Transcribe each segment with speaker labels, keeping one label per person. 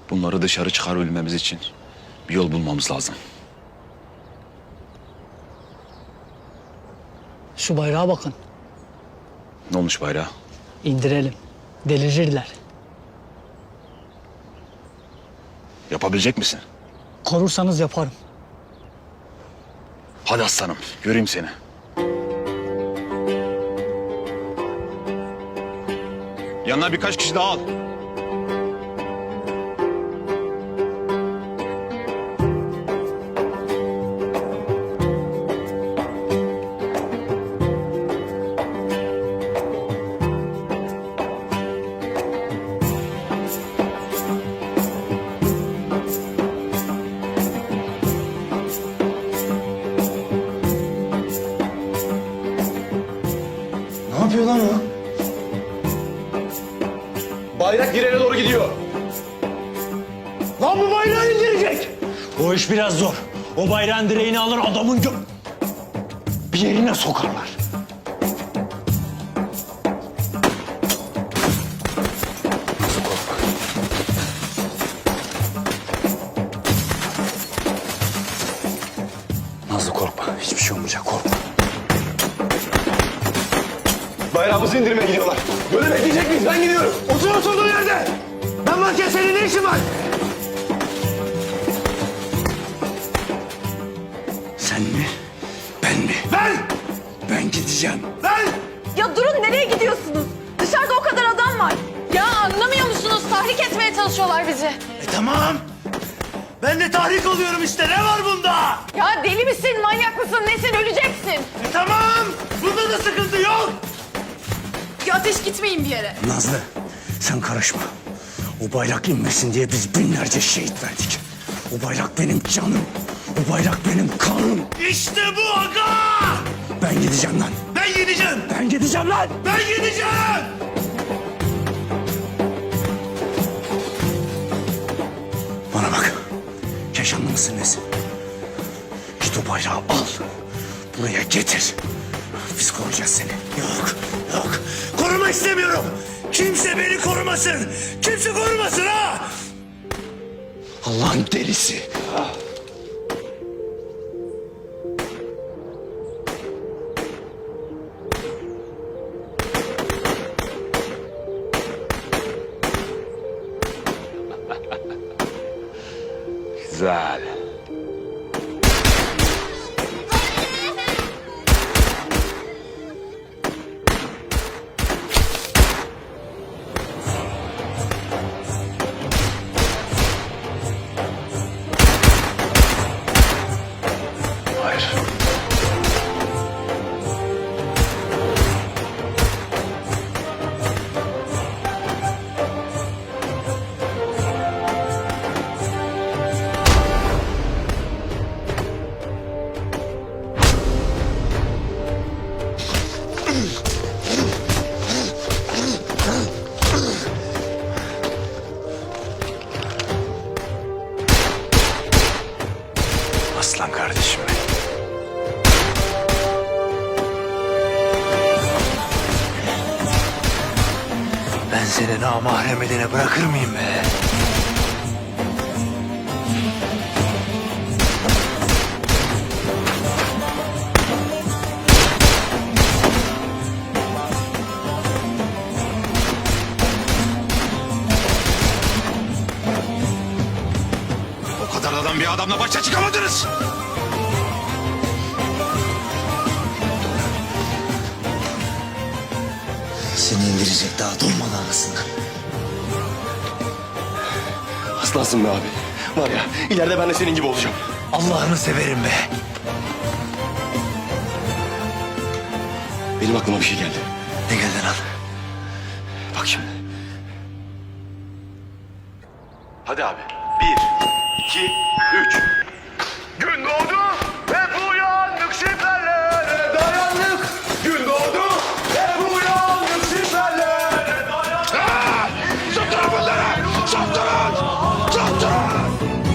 Speaker 1: Bunları dışarı çıkarabilmemiz için bir yol bulmamız lazım.
Speaker 2: Şu bayrağa bakın.
Speaker 1: Ne olmuş bayrağa?
Speaker 2: İndirelim. Delirirler.
Speaker 1: Yapabilecek misin?
Speaker 2: Korursanız yaparım.
Speaker 1: Hadi aslanım, göreyim seni. Yanına birkaç kişi daha al.
Speaker 3: Ne yapıyor lan o? Bayrak direğe doğru gidiyor. Lan bu bayrağı indirecek.
Speaker 4: O iş biraz zor. O bayrağın direğini alır adamın bir yerine sokarlar.
Speaker 1: Nazlı korkma, hiçbir şey olmayacak, korkma.
Speaker 3: Bayrağımızı indirmeye gidiyorlar. Böyle bekleyecek miyiz? Ben gidiyorum. Otur oturduğun yerde. Ben varken senin ne işin var?
Speaker 4: Sen mi? Ben mi?
Speaker 3: Ben!
Speaker 4: Ben gideceğim.
Speaker 3: Ben!
Speaker 5: Ya durun, nereye gidiyorsunuz? Dışarıda o kadar adam var. Ya anlamıyor musunuz? Tahrik etmeye çalışıyorlar bizi.
Speaker 3: Tamam. Ben de tahrik oluyorum işte. Ne var bunda?
Speaker 5: Ya deli misin, manyak mısın, nesin, öleceksin.
Speaker 3: Tamam. Bunda da sıkıntı yok.
Speaker 5: Ya ateş, gitmeyin bir yere.
Speaker 4: Nazlı sen karışma. O bayrak inmesin diye biz binlerce şehit verdik. O bayrak benim canım. O bayrak benim kanım.
Speaker 3: İşte bu aga.
Speaker 4: Ben gideceğim lan.
Speaker 3: Ben gideceğim.
Speaker 4: Ben gideceğim lan.
Speaker 3: Ben gideceğim.
Speaker 4: Bana bak. Keşanlı mısın nesin? Git o bayrağı al. Buraya getir. Biz koruyacağız seni.
Speaker 3: Yok, yok. Koruma istemiyorum. Kimse beni korumasın. Kimse korumasın ha.
Speaker 4: Allah'ın delisi.
Speaker 1: Güzel. Hayır. Aslan kardeşim benim.
Speaker 4: Ben seni namahrem edene bırakır mıyım be?
Speaker 1: O kadar adam bir adamla başa çıkamadınız.
Speaker 4: Seni indirecek daha durmadan arasında.
Speaker 3: Aslansın be abi. Var ya, ileride ben de senin gibi olacağım.
Speaker 4: Allah'ını severim be.
Speaker 3: Benim aklıma bir şey geldi.
Speaker 4: Ne geldi lan?
Speaker 3: Bak şimdi.
Speaker 1: Hadi abi.
Speaker 3: 1, 2, 3. Gün doğdu ve uyandık şifrelere dayandık. Gün doğdu ve uyandık şifrelere dayandık.
Speaker 1: Saptırın bunları! Saptırın! Saptırın!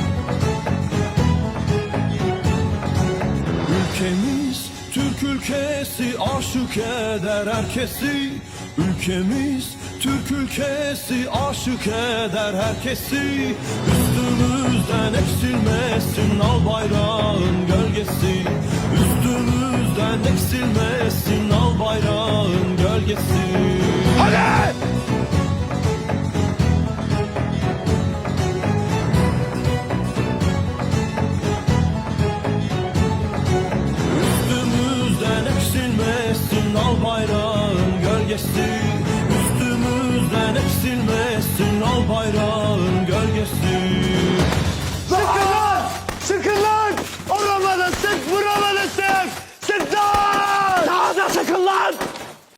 Speaker 6: Ülkemiz Türk ülkesi, aşık eder herkesi. Ülkemiz Türk ülkesi aşık eder herkesi. Üstümüzden eksilmesin al bayrağın gölgesi. Üstümüzden eksilmesin al bayrağın gölgesi.
Speaker 3: Hadi!
Speaker 6: Üstümüzden eksilmesin al bayrağın gölgesi. Üstümüzden eksilmesin al bayrağın gölgesi.